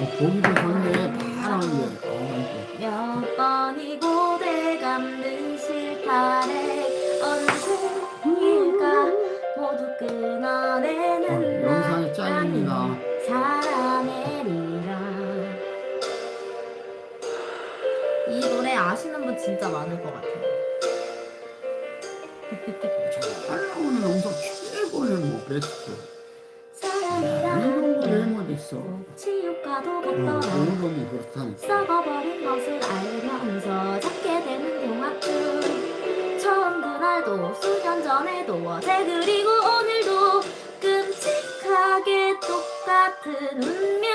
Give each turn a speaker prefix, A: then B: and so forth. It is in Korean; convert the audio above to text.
A: 보기도 좋네. 파란 게.
B: 몇 번이고 돼감는 실타래 언제일까 모두 끊어내는
A: 영상이 잘립니다.
B: 살아내리라. 이 노래 아시는 분 진짜 많을 것 같아요.
A: 잘 나오는 영상 최고는 뭐 베스트.
B: 사랑이란
A: 이런 거왜 못했어?
B: 치유과도 같더라.
A: 오름이 그렇다니까.
B: 썩어버린 것을 알면서 찾게 되는 용악줄. 처음 그날도 수년 전에도 어제 그리고 오늘도 끔찍하게 똑같은 운명.